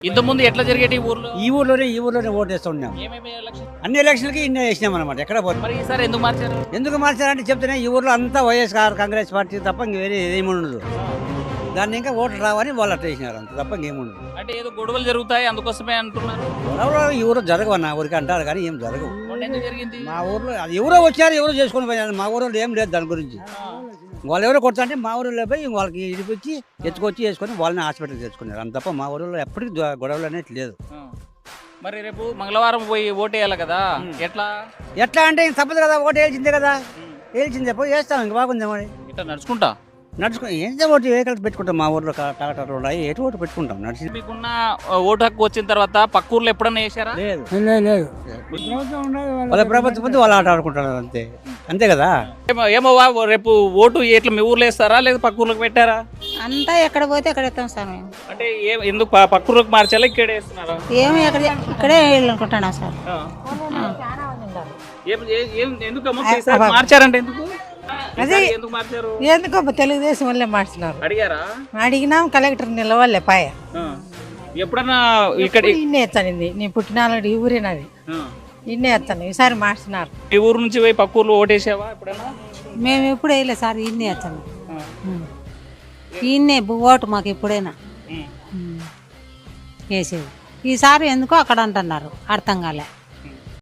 ఇంతకుముందు ఎట్లా జరిగేటి ఊర్లో? ఈ ఊర్లోనే ఓటు వేస్తూ ఉన్నాం. అన్ని ఎలక్షన్లకి ఇన్నే వేసినాం అనమాట. ఎక్కడ పోతాం. మరి ఈసారి ఎందుకు మార్చారు? ఎందుకు మార్చారంటే చెప్తేనే ఈ ఊర్లో అంతా వైఎస్ఆర్ కాంగ్రెస్ పార్టీ తప్ప ఇంక వేరే ఏముండదు. దాన్ని ఇంకా ఓట్లు రావని వాళ్ళు అట్లా వేసినారు, అంత తప్ప ఇంకేముండదు. అంటే ఏదో గొడవలు జరుగుతాయి అందుకోసమే అంటున్నారు. గొడవలు ఈ ఊరు జరగవన్న ఊరికి అంటారు కానీ ఏం జరగవు. మొన్న ఎందుకు జరిగింది? మా ఊర్లో అది ఎవరో వచ్చారు, ఎవరో చేసుకొని పోయారు. మా ఊరిలో ఏం లేదు దాని గురించి. వాళ్ళు ఎవరో కొడతా అంటే మా ఊరిలో పోయి వాళ్ళకి ఇడిపించి ఎత్తుకొచ్చి వేసుకొని వాళ్ళని హాస్పిటల్కి తెచ్చుకున్నారు. అంత తప్ప మా ఊరిలో ఎప్పటికీ గొడవలు అనేది లేదు. మరి రేపు మంగళవారం పోయి ఓటేయాలి కదా, ఎట్లా అంటే ఇంక తప్పదు కదా, ఓటు వేల్చిందే కదా, వేల్చిందే పోయి వేస్తాం. ఇంక బాగుంది మరి ఇట్లా నడుచుకుంటా ఏం ఓటు వెహికల్స్ పెట్టుకుంటాం. మా ఊర్లో ట్రాక్టర్లు ఉన్నాయి, ఎటు ఓటు పెట్టుకుంటాం నడిచి. మీకున్న ఓటు హక్కు వచ్చిన తర్వాత పక్క ఊర్లో ఎప్పుడన్నా వేసారా? లేదు వాళ్ళ ప్రభుత్వం ముందు వాళ్ళు ఆట ఆడుకుంటున్నారు అంతే, అంతే కదా. ఏమో రేపు ఓటు ఎట్లా మీ ఊర్లో వేస్తారా లేదా పక్క ఊర్లోకి పెట్టారా? అంతా ఎక్కడ పోతే అక్కడ ఎత్తాం సార్ మేము. అంటే ఎందుకు పక్క ఊర్లోకి మార్చాలా ఇక్కడే వేస్తున్నారా? ఏమో ఇక్కడే వెళ్ళనుకుంటున్నాం సార్. ఎందుకు మార్చారంటే ఎందుకు? అదే ఎందుకు మార్చారు? ఎందుకో తెలుగుదేశం వల్లే మార్చినారు. అడిగారా? అడిగినాం, కలెక్టర్ నిలవల్లే పాయ. ఎప్పుడన్నా ఇక్కడ ఇన్నే ఎత్తానింది, నీ పుట్టినాడు ఈ ఊరేనది, ఇన్నే ఎత్తాను. ఈసారి మార్చినారు. ఈ ఊరు నుంచి పోయి పక్క ఊర్లో ఓటేసావా ఎప్పుడన్నా? మేము ఎప్పుడు వేయలేదు సార్, ఇన్నే వచ్చాము. ఇన్నే ఓటు మాకు ఎప్పుడైనా వేసేది. ఈసారి ఎందుకో అక్కడ అంటున్నారు, అర్థం కాలే.